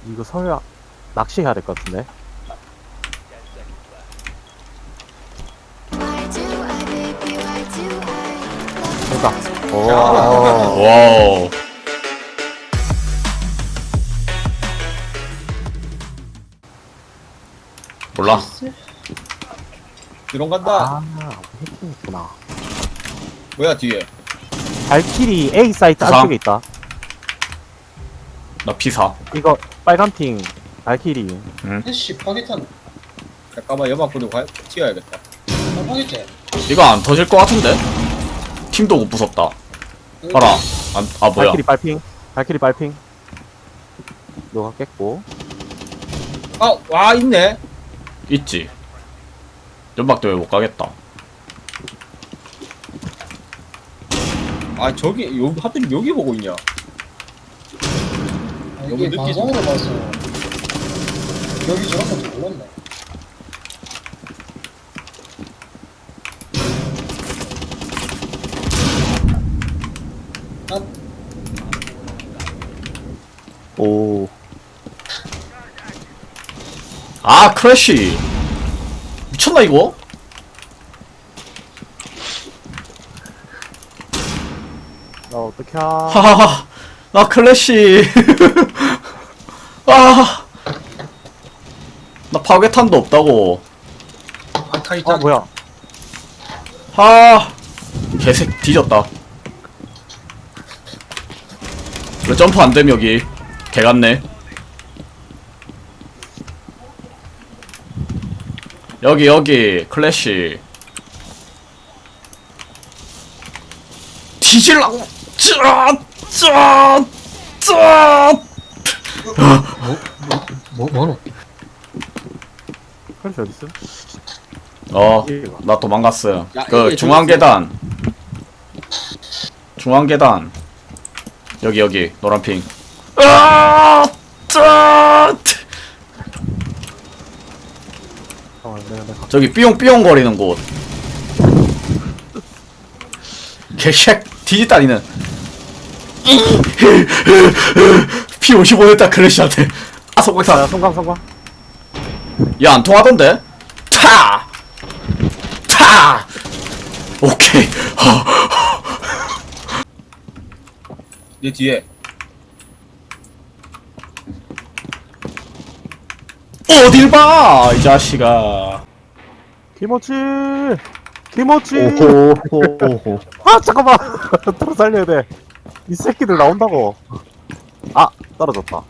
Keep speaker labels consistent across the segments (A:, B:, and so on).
A: 이거 설마 낚시해야 될 것 같은데. 그러니까. 오.
B: 와우. 몰라.
C: 드론 간다.
A: 아, 해킹했구나.
C: 뭐야 뒤에?
A: 발키리 A 사이트
B: 부상.
A: 안쪽에 있다.
B: 나 P4.
A: 이거 빨간 핑 발키리.
D: 해시 파괴탄
C: 잠깐만 연막 뿌리고 튀어야겠다.
D: 안 파괴제.
B: 이거 안 터질 것 같은데? 팀도 못 부쉈다. 봐라. 아 뭐야?
A: 발키리 빨핑. 발키리 빨핑. 너가 깼고.
C: 와 있네.
B: 있지. 연막 때문에 못 가겠다.
C: 아 저기 요 하필 여기 보고 있냐?
D: 아,
C: 너무
D: 이게
C: 늦게
D: 방송으로 봐서 여기 저런 것도 몰랐네. 아,
A: 오.
B: 아 크래쉬. 미쳤나 이거?
A: 나 어떡해. 하...
B: 하하하. 나 클래시. 아. 나 파괴탄도 없다고.
A: 아, 뭐야.
B: 아. 개색 뒤졌다. 왜 점프 안 됨 여기? 개 같네. 여기 클래시. 뒤질라고.
D: 뭐노?
A: 그렇지, 어딨어?
B: 나 도망갔어요.
C: 야,
B: 그
C: 이게
B: 중앙 계단. 중앙 계단. 여기 노란 핑.
A: 내가.
B: 저기 삐용삐용 거리는 곳. 개쉑 뒤집다니는. 피 55 됐다 클래시한테. 아
A: 야,
B: 성공했다.
A: 성광.
B: 야 안 통하던데? 차! 오케이.
C: 내 뒤에.
B: 어딜 봐! 이 자식아.
A: 김어치! 김어치!
E: 오호.
A: 아, 잠깐만! 따라 살려야 돼. 이 새끼들 나온다고. 아, 떨어졌다.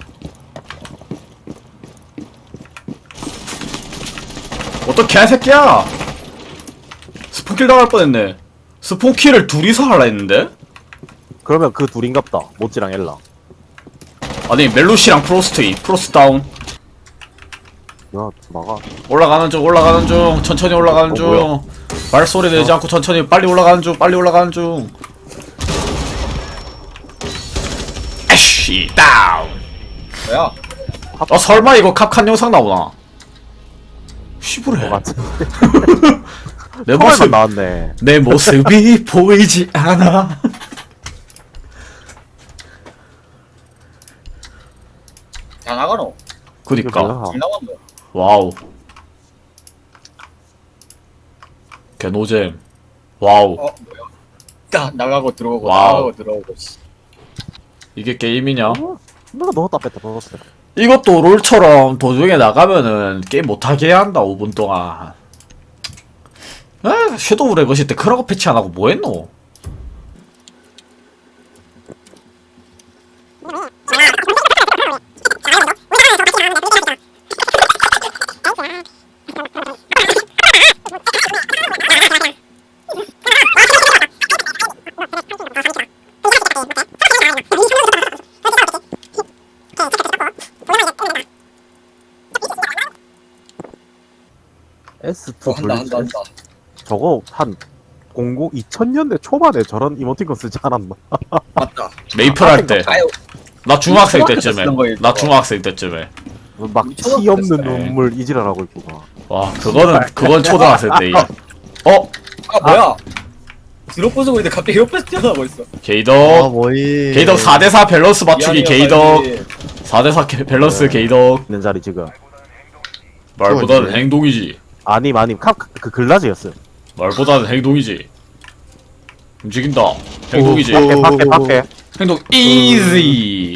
B: 어떤 개새끼야! 스폰킬 당할 뻔했네. 스폰킬을 둘이서 하려 했는데?
A: 그러면 그 둘인갑다. 모찌랑 엘라.
B: 아니 멜루시랑 프로스트 다운.
A: 야, 나가.
B: 올라가는 중 천천히 올라가는 중.
A: 뭐야?
B: 발소리 내지 않고 천천히 빨리 올라가는 중. 에쉬 다운.
C: 뭐야?
B: 설마 이거 캅칸 영상 나오나? 시부래.
A: 맞지?
B: 내
A: 처음에만
B: 모습
A: 나왔네.
B: 내 모습이 보이지 않아.
C: 다 나가노.
B: 그니까.
C: 잘 나왔노.
B: 와우. 개노잼. 와우.
C: 뭐야? 딱 나가고 들어오고
B: 와우.
C: 나가고 들어오고.
B: 이게 게임이냐?
A: 누가 넣었다 뺐다 넣었어.
B: 이것도 롤처럼 도중에 나가면은 게임 못하게 해야 한다 5분 동안. 섀도우 레거시 때 크라고 패치 안 하고 뭐 했노?
A: S2
C: 한다.
A: 저거 한 2000년대 초반에 저런 이모티콘 쓰지 않았나?
C: 맞다.
B: 메이플 할 때.
C: 아유,
B: 나 중학생
C: 초등학교 때
B: 때쯤에.
C: 쓰던 거예요,
B: 나
C: 저거.
B: 중학생 때쯤에.
A: 막
C: 초등학교
A: 티 없는
C: 때.
A: 눈물 이지랄하고 있고 막.
B: 와, 그건 초등학생 때. 이게.
C: 아 뭐야? 드롭 부수고 있는데 갑자기 옆에서 뛰어나고 있어.
B: 게이덕
A: 뭐이
B: 게이덕 4대4 밸런스 맞추기
C: 미안해요,
B: 게이덕
C: 빨리.
B: 4대4 밸런스 게이덕
A: 있는 자리 지금.
B: 말보다는
A: 그거지.
B: 행동이지
A: 아님 그 글라즈였어요.
B: 말보다는 행동이지 움직인다 행동이지
A: 밖에
B: 행동 easy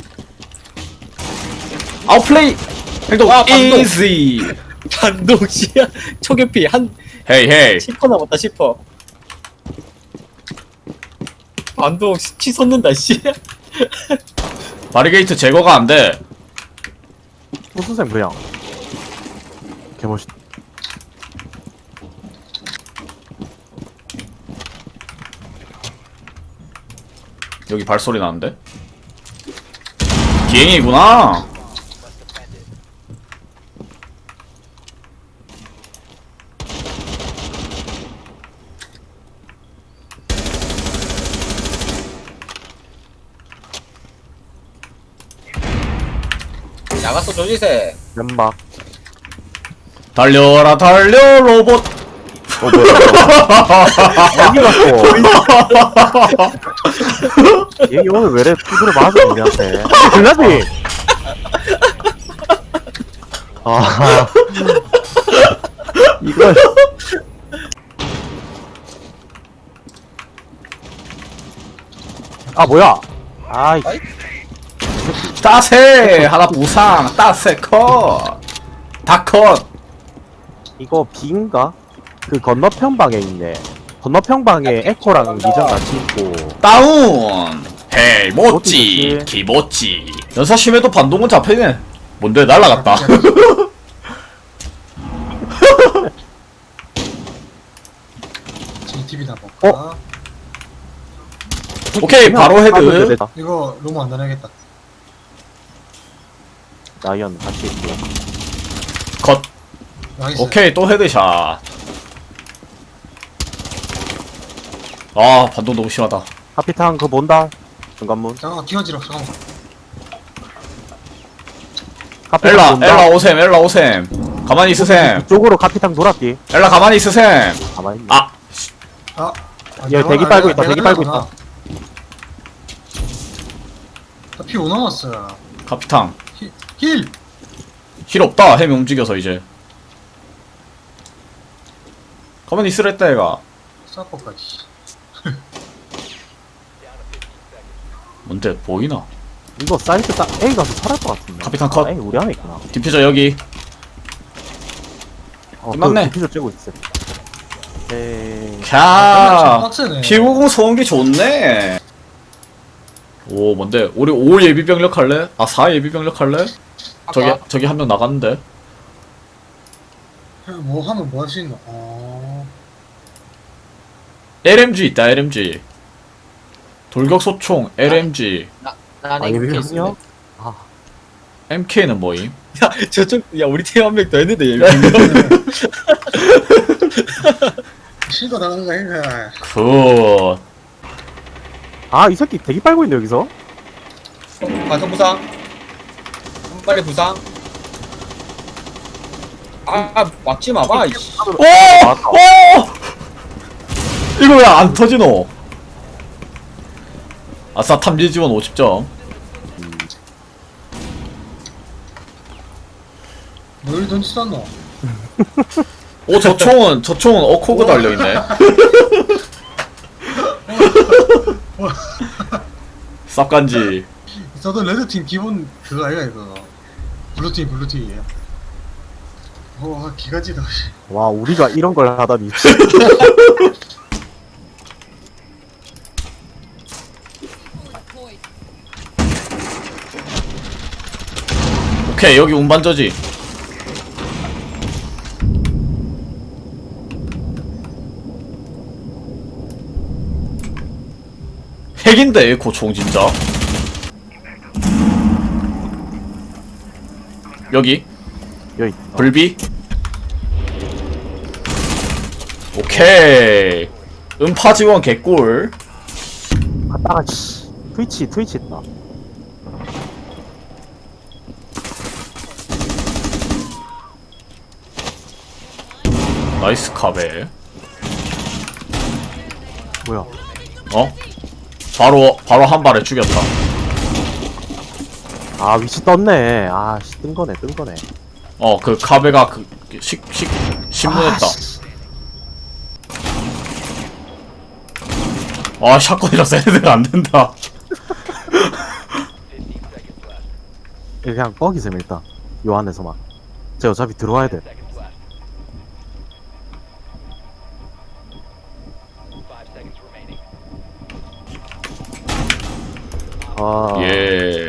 B: 아웃플레이 행동
C: 와, 반동.
B: easy
C: 반동 씨야. 초계피 한
B: 헤이 헤이
C: 10% 남았다 10%. 반동 치솟는다 씨.
B: 바리게이트 제거가 안돼
A: 무슨 그냥 개멋있.
B: 여기 발소리 나는데? 비행이구나
C: 나갔어 조지세.
A: 연막.
B: 달려라 달려 로봇
A: 어디 갔어? 얘 오늘 왜래 두드려 맞아 우리한테. 글라즈. 아 이걸. 아 뭐야? 아이
B: 따세 하나 부상 따세 컷 다컷
A: 이거 B인가? 그 건너편 방에 있네. 건너편 방에 에코랑 미전 같이 있고.
B: 다운 헤이 모찌
A: 모찌.
B: 기모찌 연사심에도 반동은 잡히네 뭔데 날라갔다
D: JTB나 볼까?
B: 오케이 바로 헤드
A: 되다.
D: 이거 너무 안 다녀야겠다.
A: 라이언 같이 있고.
B: 컷
D: 나이스.
B: 오케이 또 헤드샷 아 반동 너무 심하다
A: 하피탕 그거 본다. 중간문.
D: 잠깐만 기어지러 잠깐만.
A: 카피탕
B: 엘라
A: 본다.
B: 엘라 오셈 엘라 오셈 가만히 있으셈
A: 이쪽으로 카피탕 돌았디.
B: 엘라 가만히 있으셈
A: 가만히 있네.
B: 아
D: 아.
A: 얘 대기 빨고 있다, 대기 빨고 있다.
D: 피5 남았어요.
B: 카피탕
D: 힐!
B: 힐 없다 햄이 움직여서 이제 가만히 있으랬다 얘가
D: 사퍼까지.
B: 뭔데 보이나
A: 이거 사이트 딱 A 가서 살할 것 같은데.
B: 카피탕 컷.
A: 아, A 우리 안에 있구나.
B: 디퓨저 여기 끝났네.
A: 디퓨저 쬐고 있어. 에이.
B: 캬
D: 빡세네.
B: P90 소음기 좋네 오 뭔데 우리 5 예비병력 할래? 아 4 예비병력 할래? 저기 한 명 나갔는데
D: 뭐 하면 뭐 할 수 있나?
B: LMG 있다 LMG 돌격소총 LMG
C: 나는
A: 아,
C: 이렇게
A: 예비병이요?
C: 있으면.
A: 아,
B: MK는 뭐임?
C: 야 저쪽 야 우리 팀 한 명 더 했는데 얘.
D: 실거 나가는 거 아닌가?
B: 굿
A: 아, 이 새끼 대기 빨고 있네, 여기서.
C: 반성 부상. 빨리 부상. 아 맞지 마봐. 이씨.
B: 오! 오! 이거 왜 안 터지노? 아싸 탐지 지원 50점
D: 뭘 던지지 않노?
B: 오 저 총은 어코그 달려있네 쌉간지
D: 저도 레드팀 기본 그거 아이가 이거. 블루팀. 와 기가지다.
A: 와, 우리가 이런 걸 하다니.
B: 오케이 여기 운반저지 핵인데 에코 총 진짜 여기
A: 여기.
B: 불비 오케이 음파 지원 개꿀
A: 갔다가, 씨. 트위치 있다.
B: 나이스 카베
A: 뭐야?
B: 어? 바로 한 발에 죽였다.
A: 아 위치 떴네. 아씨 뜬 거네.
B: 그 카베가 신문했다. 아, 샷건이라서 애들 안 된다.
A: 그냥 뻑이셈 일단. 요 안에서만. 제가 어차피 들어와야 돼. 아.
B: 예.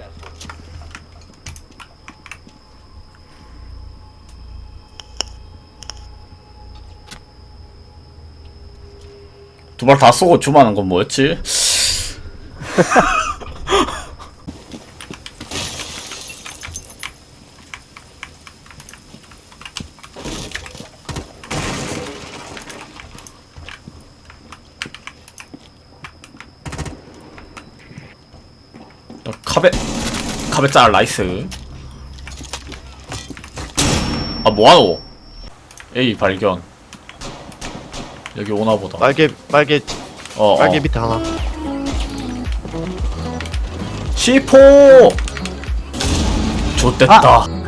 B: 두 발 다 쏘고 주마는 건 뭐였지? 카베 짤 나이스. 아 뭐하노? A 발견. 여기 오나보다.
E: 빨개 밑에 하나.
B: C4 좋댔다.